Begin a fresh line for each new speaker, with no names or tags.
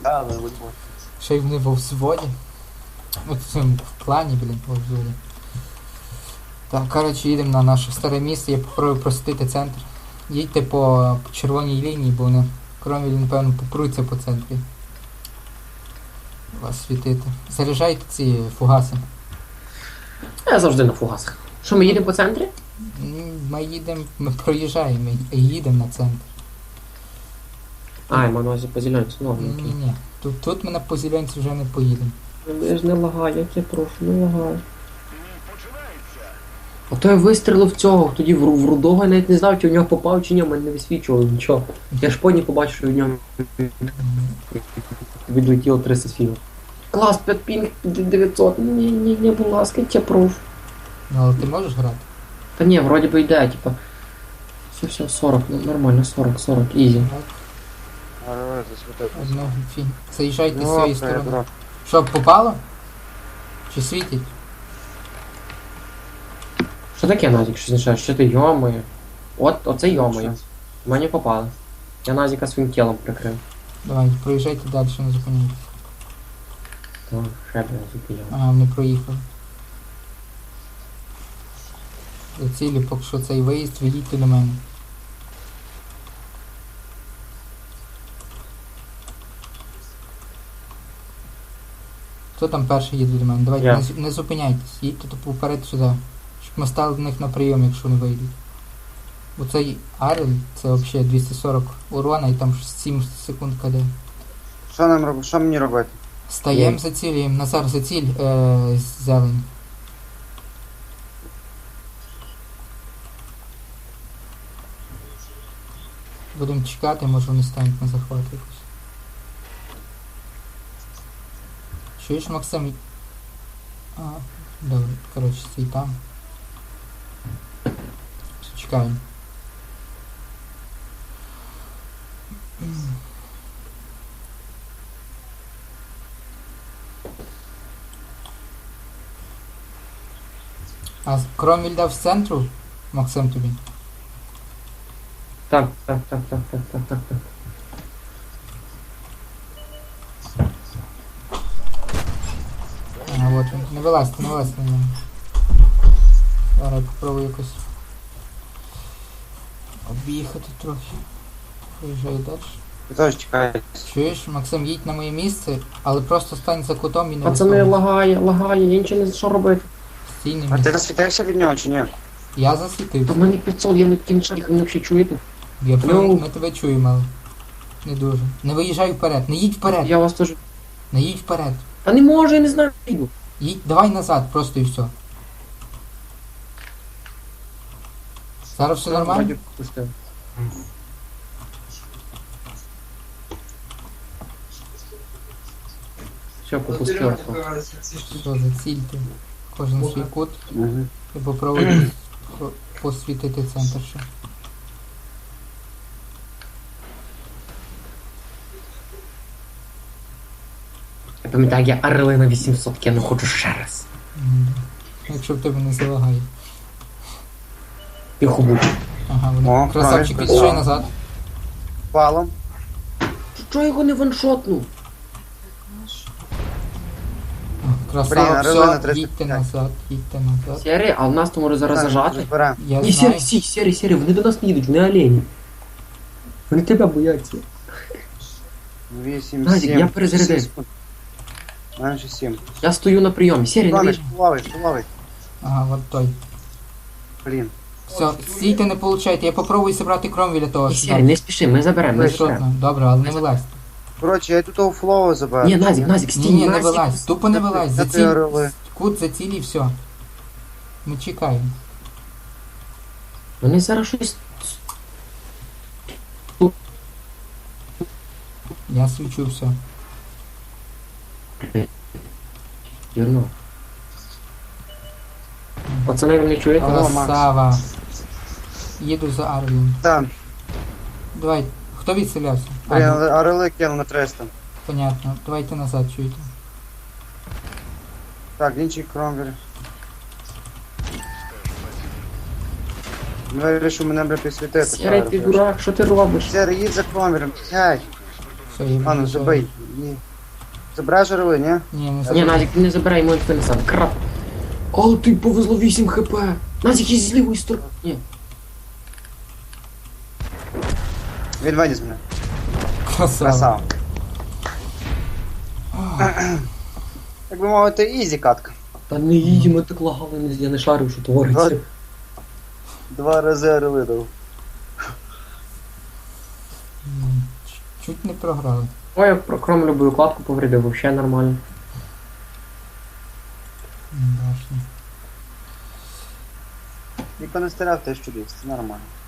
Да, але будь-бо.
Ще й вони во взводі. От в цьому клані, блін, во взводі. Так, коротше, їдемо на наше старе місце, я попробую просвітити центр. Їдьте по червоній лінії, бо вони, кромвіль, напевно, попруться по центрі. Вас світити. Заряджайте ці фугаси.
Я завжди на фугасах. Що, ми їдемо по центрі?
Ми їдемо, ми проїжджаємо, ми їдемо на центр.
А, я маю на увазі по зеленці. Ну, ладно, окей.
Ні. Тут ми на позілянці вже не поїдемо.
Я ж не лагаю, як я прошу, не лагаю. А то я вистрілив цього, тоді в рудого, я навіть не знав, чи в нього попав, чи ні, в мене не висвічувало нічого. Я ж поні побачив, що в ньому відлетіло 300 філів. Клас, 5 пінг, 900, ні, будь ласка, я прошу.
Ну, але ти можеш грати?
Та ні, вроді би йде, типа. Все, 40, ну нормально, 40, ізі.
Так,
Але засвітити.
одного фін. Заїжджайте з
Ну,
цієї
це
сторони.
дурак.
Що, попало? Чи світить?
Що таке, Назік, що означає? Що ти йомою? Оце йомою. В мене попали. Я Назіка своїм тілом прикрив.
Давай, проїжджайте далі, не зупиняйтесь.
Так, ще б я зупиняв.
Ага, вони проїхали. До цілі, поки що цей виїзд, відійдьте до мене. Хто там перший їде до мене? Давайте
Я.
не зупиняйтесь, їдьте тупо вперед сюди. Щоб ми стали до них на прийом, якщо не вийдуть. Бо цей Арель, це взагалі 240 урона і там 7 секунд КД.
Що нам робити? Що мені робити?
Стаємо, зацілюємо. Назар, заціль зелень. Будемо чекати, може вони стануть на захват якось. Чуєш, Максим? А, добре, коротше, стій там. Чекаємо. А Кромвіль дав з центру, Максим, тобі?
Так.
А, от він. Не вилазьте на ньому. Зараз я попробую якось об'їхати трохи. Виїжджаю далі.
Ви теж чекаєте.
Чуєш, Максим, їдь на моє місце, але просто стань за кутом і не
Пацани,
виходь.
лагає, я нічого не знаю, що робити.
Стій на
А ти
місці.
засвітився від нього чи ні?
Я
У
засвітився.
мене 500, я не кінчаю, ви взагалі чуєте?
Ми тебе чуємо, але не дуже. Не виїжджай вперед, не їдь вперед,
Я вас теж...
не їдь вперед.
Та не можу, я не знаю, йду.
Їдь, давай назад, просто і все. Зараз все нормально?
Вроді пустив. Все, попустив.
Все, зацільте. Кожен свій кут
Угу.
і попробуйте посвітити центр ще.
Я пам'ятаю, я орли на 800 кину, хочу ще раз.
Якщо в тебе не залагає.
Тихо будь.
Ага,
О,
вони. Красавчик,
правильно.
від'їжджай назад.
Палом.
Чого його не ваншотнув?
Красава,
Блін, орли на
все,
305.
їдьте назад, їдьте назад.
Сері, а в нас то може зараз зажати?
Зберемо.
Я
Ні,
знаю.
сері, вони до нас не їдуть, вони олені. Вони тебе бояться.
8,
Назік,
7.
я перезарядив.
Менше 7.
Я стою на прийомі. Сері, не
Ловиш,
вийш.
ловиш.
Ага, от той.
Блін.
Все, стійте, не получайте. Я попробую зібрати Кромвіля того.
Сері, не спіши, ми заберемо.
Ви
Не
що?
спіши.
Добре, але не вилазьте.
Коротше, я тут флоу заберу.
Ні, Назік, стій.
Ні, не
Назік.
вилазь. Тупо не вилазь.
Де ти
Заціль.
орли?
Кут заціль і все. Ми чекаємо.
Вони зараз щось...
Я свічу все.
Вірно. Пацани, ви не чуєте?
Алло, Макс.
Красава. Їду за Арлін.
Там.
Давай. Хто відселявся?
Блін, орли кинув на 300.
Понятно. Давайте назад, чуєте.
Так, інший Кромвель. Вирішив мене бля підсвітити.
Сері, ти дурак, що ти робиш?
Сері, їдь за Кромвелем. Сядь.
Все, я
Ладно,
від'їжджаю.
забий. Ні. Забираєш орли, ні?
Ні, не
Ні,
заберу.
Назік, не забирай йому ніхто не сам. Крап. Але ти повезло 8 хп. Назік із лівої сторони. Ні.
Він виніс мене.
Красава.
Красава. Як би мовити, ізі катка.
Та не їдемо, так лагали, я не шарив, що твориться.
2 рази орли дав.
Чуть не програли.
Ой, я кром любую кладку повредив, вообще нормально.
Башня.
Ніхто не стріляв, теж чудись, це нормально.